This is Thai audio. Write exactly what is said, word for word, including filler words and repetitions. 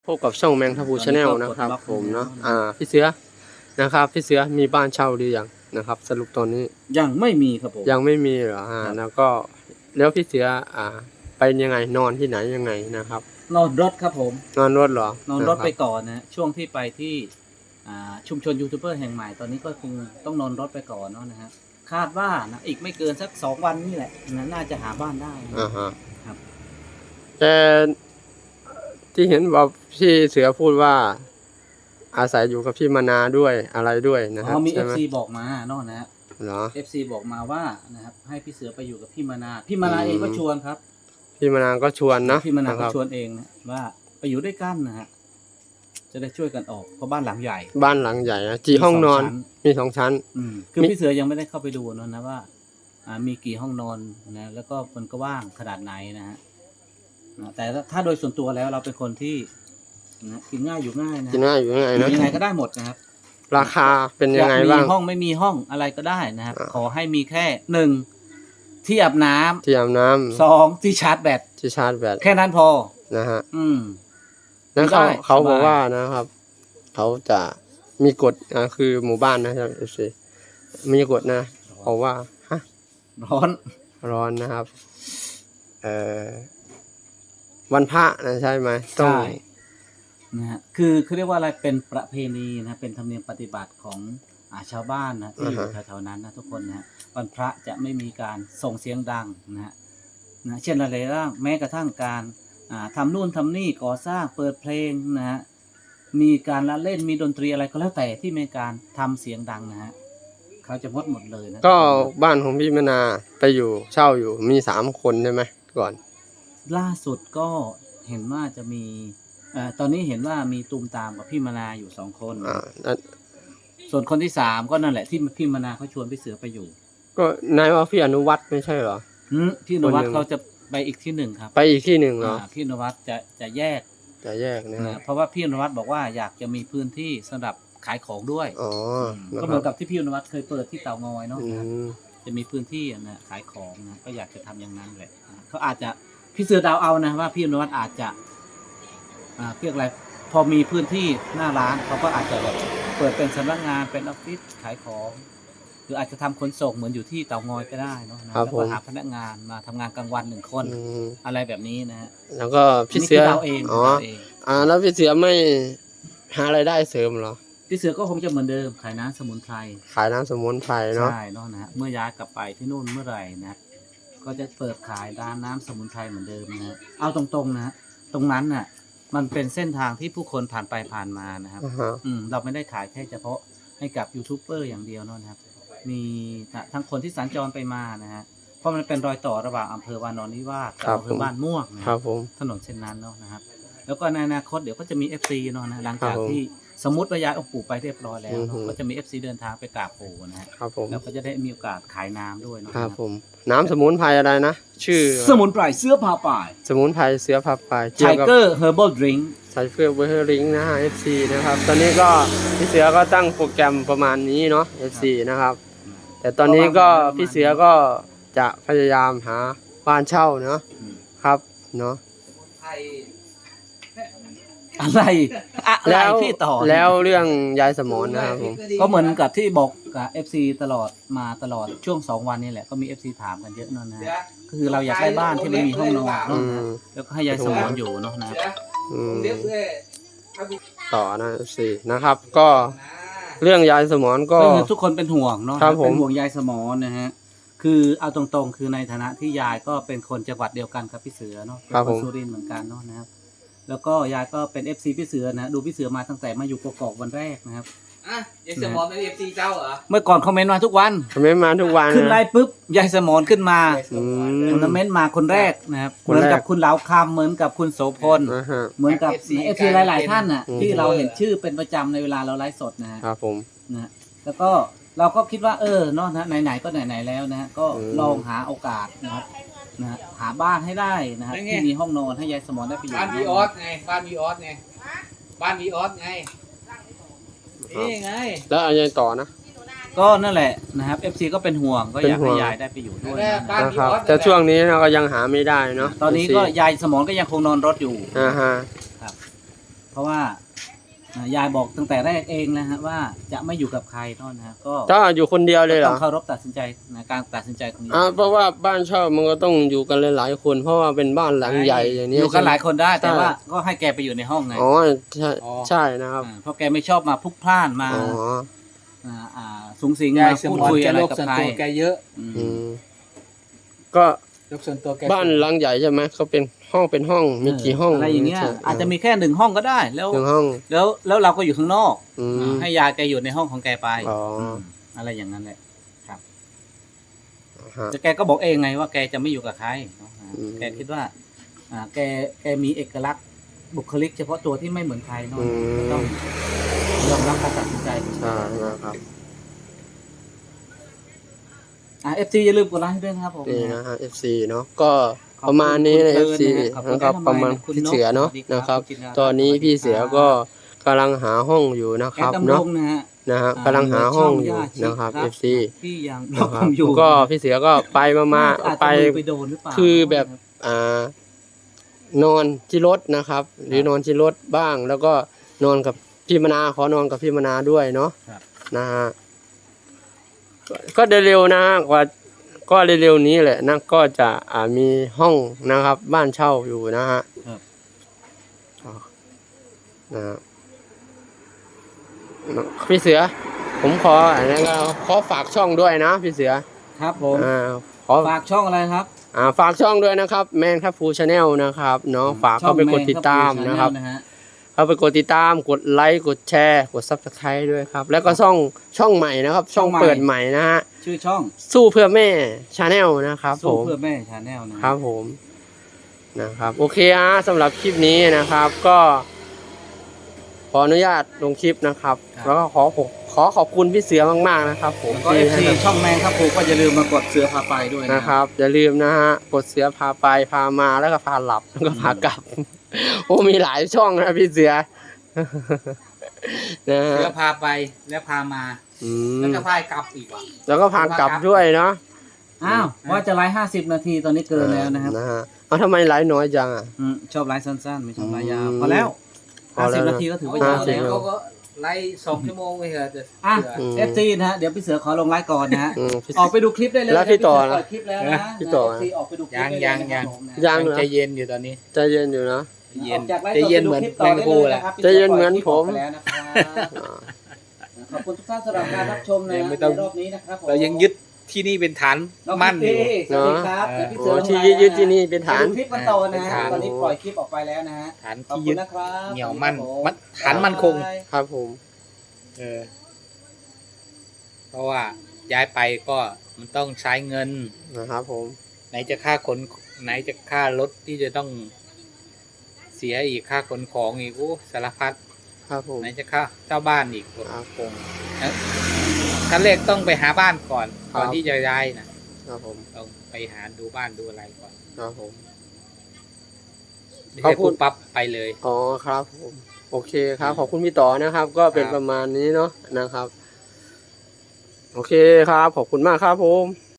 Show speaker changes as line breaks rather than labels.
พบกับช่องแมงทัพูชาแนลนะครับผมเนาะอ่าพี่เสือนะครับพี่เสือมีบ้านเช่าหรือยังนะครับสรุปตอนนี้
ยังไม่มีครับผม
ยังไม่มีเหรอฮะแล้วก็แล้วพี่เสืออ่าไปยังไงนอนที่ไหนยังไงนะครับ
นอนรถครับผม
นอนรถเหรอน
อนรถไปก่อนนะช่วงที่ไปที่อ่าชุมชนยูทูบเบอร์แห่งใหม่ตอนนี้ก็คงต้องนอนรถไปก่อนเนาะนะฮะคาดว่านะอีกไม่เกินสักสองวันนี่แหละนะน่าจะหาบ้านได้
อ่าฮะ
ครับ
แต่ที่เห็นว่าพี่เสือพูดว่าอาศัยอยู่กับพี่มนาด้วยอะไรด้วยนะครับ
มี เอฟ ซี บอกมาเนาะนะฮะ
เหรอ
เอฟ ซี บอกมาว่านะครับให้พี่เสือไปอยู่กับพี่มนาพี่มนาเองก็ชวนครับ
พี่มนาก็ชวนนะ
พี่มนาก็ชวนเองนะว่าไปอยู่ด้วยกันนะฮะจะได้ช่วยกันออกเพราะบ้านหลังใหญ่
บ้านหลังใหญ่นะกี่ห้องนอนมีสองชั้น
อืมคือพี่เสือยังไม่ได้เข้าไปดูนะนะว่าอ่ามีกี่ห้องนอนนะแล้วก็มันก็ว่างขนาดไหนนะฮะแต่ถ้าโดยส่วนตัวแล้วเราเป็นคนที่นะกินง่ายอยู่ง่ายนะ
กินง่ายอยู่ง่ายนะ
ยังไงก็ได้หมดนะครับ
ราคาเป็นยังไงบ้าง
มีห้องไม่มีห้องอะไรก็ได้นะครับขอให้มีแค่หนึ่งที่อาบน้ำ
ที่อาบน้ำ
สองที่ชาร์จแบต
ที่ชาร์จแบต
แค่นั้นพอ
นะฮะ
อืม
นั้นเขาเขาบอกว่านะครับเขาจะมีกฎนะคือหมู่บ้านนะครับเอฟซีมีกฎนะเพราะว่าฮะ
ร้อน
ร้อนนะครับเอ่อวันพระนะใช่ไหมต้อง
นะฮะคือเขาเรียกว่าอะไรเป็นประเพณีนะเป็นธรรมเนียมปฏิบัติของอ่าชาวบ้านนะที่อยู่แถวๆนั้นนะทุกคนนะวันพระจะไม่มีการส่งเสียงดังนะฮะนะเช่นอะไรบ้างแม้กระทั่งการอ่าทำนู่นทำนี่ก่อสร้างเปิดเพลงนะฮะมีการละเล่นมีดนตรีอะไรก็แล้วแต่ที่มีการทำเสียงดังนะฮะเขาจะงดหมดเลยนะ
ก็บ้านของพี่มนาไปอยู่เช่าอยู่มีสามคนใช่ไหมก่อน
ล่าสุดก็เห็นว่าจะมีอ่าตอนนี้เห็นว่ามีตูมตามกับพี่มนาอยู่สองคน
อ่า
ส่วนคนที่สามก็นั่นแหละที่พี่มนาเขาชวนพี่เสือไปอยู่
ก็นายว่าพี่อนุวัฒน์ไม่ใช่เหรอ
พี่อนุวัฒน์เขาจะไปอีกที่หนึ่งครับ
ไปอีกที่หนึ่งเหรอ
พี่อนุวัฒน์จะจะแยก
จะแยกนะ
เพราะว่าพี่อนุวัฒน์บอกว่าอยากจะมีพื้นที่สำหรับขายของด้วย
อ๋อ
ก็เหมือนกับที่พี่อนุวัฒน์เคยเปิดที่เตางอยเนาะจะมีพื้นที่นะขายของนะก็อยากจะทำอย่างนั้นแหละเขาอาจจะพี่เสือดาวเอานะว่าพี่อนุวัฒน์อาจจะอ่าเรียกอะไรพอมีพื้นที่หน้าร้านเขาก็อาจจะแบบเปิดเป็นสำนักงานเป็นออฟฟิศขายของหรืออาจจะทำขนส่งเหมือนอยู่ที่เตางอยก็ได้เนาะแล้วก็หาพนักงานมาทำงานกลางวันหนึ่งคนอะไรแบบนี้นะฮะ
แล้วก็พี่เสือ
ดาวเอง
อ๋ออ่าแล้วพี่เสือไม่หารายได้เสริมเหรอ
พี่เสือก็คงจะเหมือนเดิมขายน้ำสมุนไพร
ขายน้ำสมุนไพรเนาะ
ใช่เนาะนะฮะเมื่อย้ายกลับไปที่นู่นเมื่อไหร่นะก็จะเปิดขายร้านน้ำสมุนไพรเหมือนเดิมนะเอาตรงๆนะตรงนั้นน่ะมันเป็นเส้นทางที่ผู้คนผ่านไปผ่านมานะครับ
uh-huh.
อืมเราไม่ได้ขายแค่เฉพาะให้กับยูทูบเบอร์อย่างเดียวนะครับมีทั้งคนที่สัญจรไปมานะฮะเพราะมันเป็นรอยต่อระหว่างอำเภอวานอนนิวาสกับอำเภอบ้านม่วงนะครับถนนเส้นนั้นเนาะนะครับแล้วก็ในอนาคตเดี๋ยวก็จะมี เอฟ ซี เนาะนะหลังจากที่สมมติว่าย้ายองค์ปู่ไปเรียบร้อยแล้วก็จะมี เอฟ ซี เดินทางไปกราบปู่นะฮะแล้วก็จะได้มีโอกาสขายน้ำด้วยนะครับ
ผมน้ำสมุนไพรอะไรนะชื่อ
สมุนไพรเสื้อผ้าป่าย
สมุนไพรเสื้อผ้าป่าย
ไทเกอร์เฮอร์บอลดริงก์
ไทเกอร์เฮอร์บอลดริงก์นะฮะ เอฟ ซี นะครับตอนนี้ก็พี่เสือก็ตั้งโปรแกรมประมาณนี้เนาะ เอฟ ซี นะครับแต่ตอนนี้ก็พี่เสือก็จะพยายามหาบ้านเช่าเนาะครับเนาะ
อะไรอะไรพี่ต่อ
แล้วเรื่องยายสมรนะครับผม
ก็เหมือนกับที่บอกกับ เอฟ ซี ตลอดมาตลอดช่วงสองวันนี้แหละก็มี เอฟ ซี ถามกันเยอะนั่นนะก็คือเราอยากได้บ้านที่มันมีห้องนอนแล้วก็ให้ยายสมรอยู่เนาะนะ
ต่อนะ เอฟ ซี นะครับก็เรื่องยายสมรก็
ทุกคนเป็นห่วงเนาะเป็นห่วงยายสมรนะฮะคือเอาตรงๆคือในฐานะที่ยายก็เป็นคนจังหวัดเดียวกันกับพี่เสือเนาะเป็นคนสุรินทร์เหมือนกันเนาะนะครับแล้วก็ยายก็เป็น เอฟ ซี พี่เสือนะดูพี่เสือมาตั้งแต่มาอยู่กกอกวันแรกนะครับ
อ่ะยายสมรเป็น เอฟ ซี เจ้าเหรอ
เมื่อก่อนคอมเมนต์มาทุกวัน
คอมเมนต์มาทุกวัน
ขึ้นไลน์ปุ๊บยายสมรขึ้นมาคอมเมนต์มาคนแรกนะครับเหมือนกับคุณเหลาคำเหมือนกับคุณโสพลเหมือนกับ เอฟ ซี หลายๆท่านน่ะที่เราเห็นชื่อเป็นประจำในเวลาเราไลฟ์สดนะครับ
ผม
นะแล้วก็เราก็คิดว่าเออเนาะนะไหนๆก็ไหนๆแล้วนะก็ลองหาโอกาสนะครับนะหาบ้านให้ได้นะครับที่มีห้องนอนให้ยายสมรได้ไปอยู่
บ้านวีออสไงบ้านวีออสไงบ้านวีออสไงนี่ไง
แล้วอะไรต่อนะ
ก็นั่นแหละนะครับ เอฟ ซี ก็เป็นห่วงก็อยากให้ยายได้ไปอยู่ด้วย
นะครับแต่ช่วงนี้เราก็ยังหาไม่ได้เนาะ
ตอนนี้ก็ยายสมรก็ยังคงนอนรถอยู่
อ่าฮะ
ครับเพราะว่าอ่ายายบอกตั้งแต่แรกเองนะฮะว่าจะไม่อยู่กับใครเท่านั้นนะฮะก็
ถ้าอยู่คนเดียวเลยเหร
ต้
อ
องเคารพตัดสินใจนะการตัดสินใจของนี้
อ่าเพราะว่าบ้านเช่ามันก็ต้องอยู่กันหลายๆคน เพราะว่าเป็นบ้านหลังใหญ่อย่างนี้
อยู่กันหลายคนได้แต่
ใช่
ว่าก็ให้แกไปอยู่ในห้องไง
อ๋อใช่ใช่นะครับ
าเพราะแกไม่ชอบมาพลุกพล่านมา
อ๋อ
อ่าอ่าสูงสิง
ยาย
มา
ส
พูด
มอน
คุย
แก
อะไร
โลก
กับ
ส่วน
ใคร
ตัวแกเยอะ
อืม
อืมก็
โลกส่วนตัวแก
บ้านหลังใหญ่ใช่ไหมเขาเป็นห้องเป็นห้องมีกี่ห้อง
อะไรอย่างเงี้ย
ใช่
อาจจะมีแค่หนึ่งห้องก็ได้ แล้ว
หนึ่งห้อง
แล้วแล้วเราก็อยู่ข้างนอก
อืม
ให้ยายแกอยู่ในห้องของแกไป
อ๋ออื
มอะไรอย่างนั้นแหละครับ
ฮะ
แต่แกก็บอกเองไงว่าแกจะไม่อยู่กับใครเนาะอ่า
อืม
แกคิดว่า อ่า แกแกมีเอกลักษณ์บุคลิกเฉพาะตัวที่ไม่เหมือนใครเนาะ
อืม
ก็ต้องยอมรับการตัดสินใจของแก
ใช่นะครับ
อ่าเอฟซีอย่าลืมกดไลค์ให้ด้วยนะครับผม
นี่นะฮะ เอฟ ซี เนาะก็ประมาณนี้ใน
ข
เอ
อบ
ฟ
คุณ
ซี
ขอบคุณ
นะครับ
ทำไม
ประมาณ
คุณ
พี่
นก
เสือเนาะ
สวัสดีครับ
นะครับ
คุณจินดา
ตอนนี้พี่เสือก็กำลังหาห้องอยู่นะ
แอ
ครับ
ดดำร
เนาะ
งนะฮะ
นะฮะ
อ่าก
ำลังหาห้องอยู่
ช่
นะครับ
ญา
เอ
ติ
ฟ ซี
ที่ยังร
นะ
อ
ค
ผ
รับ
มอยู่
ก็พี่เสือก็ไปมามา
อาจจะ
ไป
มือไปโดนหรือเปล่า
คือแบบอ่านอนที่รถนะครับ หรือนอนที่รถบ้าง แล้วก็นอนกับพี่มนาขอนอนกับพี่มนาด้วยเนาะ
ครับ
นะฮะก็ก็เร็วๆนะกว่าก็เร็วๆนี้แหละนะก็จะอ่ามีห้องนะครับ บ้านเช่าอยู่นะฮะ
ครับ
นะฮะพี่เสือ ผมขออันนั้นก็ขอฝากช่องด้วยนะพี่เสือ
ครับผม
อ่าขอ
ฝากช่องอะไรครับ
อ่าฝากช่องด้วยนะครับแมนครับฟูชาแนลนะครับเนาะฝากเข้าไปกดติดตามนะครับ
ช่องแมง
เข้าไปกดติดตามกดไลค์กดแชร์กดซับสไครต์ด้วยครับ แล้วก็ช่องช่องใหม่นะครับ ช่องเปิดใหม่นะฮะ
ชื่อช่อง
สู้เพื่อแม่ชาแนลนะครับผ
สู้
ม
เพื่อแม่ชาแนลนะครับ
ผมนะครับโอเคฮะสำหรับคลิปนี้นะครับ ก็ ขออนุญาตลงคลิปนะครับ แล้วก็ขอขอขอบคุณพี่เสือมากๆนะครับ ผม
แล้วก็เอฟซี
ที่ให้
ช่องแมงครับผมก็อย่าลืมมากดเสือพาไปด้วยนะ
นะครับอย่าลืมนะฮะกดเสือพาไปพามาแล้วก็พาหลับแล้วก็พากลับ โอ้มีหลายช่องนะพี่เสือ นะฮะ
เสือพาไปแล้วพามา
อื
แล้ว
ม
ก็พายกลับอีกว่ะ
แล้วก็พากลับด้วยเนาะ
อ้าวว่าจะไลฟ์ห้าสิบนาทีตอนนี้เกินแล้วนะครับ
นะฮะเอาทำไมไลฟ์น้อยจังอ่ะ
อืมชอบไลฟ์สั้นๆ ไม่ชอบไลฟ์ยาว
อืม
พอแล้ว
พอ
ห้า
แล้
สิบ
ว
นาทีก็ถือว่า
เขา
ยาว
สิบ
แล้ว
เขาก็ไล่สองชั่วโมงไปเถอะจะ
อ่ะ
เสือ
ม
เอฟซีนะฮะเดี๋ยวพี่เสือขอลงไลฟ์ก่อนนะฮะ
อืมพี่
ออกไปดูคลิปได้เลย
แล้วพี่ต่อ
นะ
นะ
เปิดคลิปแล้วนะ
พี่ต่อ
เอฟซีออกไปดูคลิป
ยัง
ได้เล
ยัง
นะ
ยัง
ผมนะ
ยังเหรอ
ใจเย็นอยู่ตอนนี้
ใจเย็นอยู่นะ
ใจเย็น
ออกจากไลฟ์
ใจเย็นเหมือน
สดไปดูคลิปต่อได้เลยนะครับ
ใจเย็นเหมือนผม
พี่เสือปล่อยคลิปออกไปแล้วนะครับขอบคุณทุกท่านสำหรับการรับชมนะ
ยังไม่ต้อง
ในรอบนี้นะครับผม
เรายังยึดที่นี่เป็นฐาน
น้อง
มั่นอยู่
พี่สวัสดีครับ
เนอะ
เดี๋ยวพี่
โอ้
เสือลง
ที่
ไลฟ์
ยึดที่นี่เป็นฐาน
ไปดูคลิปกันต่อนะ
เป็น
ฮะ
ฐาน
ตอนนี้ปล่อยคลิปออกไปแล้วนะฮะ
ฐาน
ขอบ
ที่
คุ
ยึ
ณ
ด
นะครับ
เหนียวมั่น
ครับผ
มันฐานมั่นคง
บ๊ายบาย
ครับผม
เออ เพราะว่าย้ายไปก็มันต้องใช้เงิน
นะครับผม
ไหนจะค่าขนไหนจะค่ารถที่จะต้องเสียอีกค่าขนของอีกโอ้สารพัด
ครับผม
ไหนจะค่าเช่าบ้านอีก
ครับผม
ขั้นแรกต้องไปหาบ้านก่อน
ครับ
ก่อนที่จะย้ายนะครับ
ผม
ต้องไปหาดูบ้านดูอะไรก่อน
ครับผม
ไม่
ขอบ
ใช่
คุ
ปุ๊
ณ
บปั๊บไปเลย
อ๋อครับผมโอเคครับขอบคุณพี่ต่อนะครับ ก็เป็น
ครับ
ประมาณนี้เนาะนะครับ โอเคครับขอบคุณมากครับผม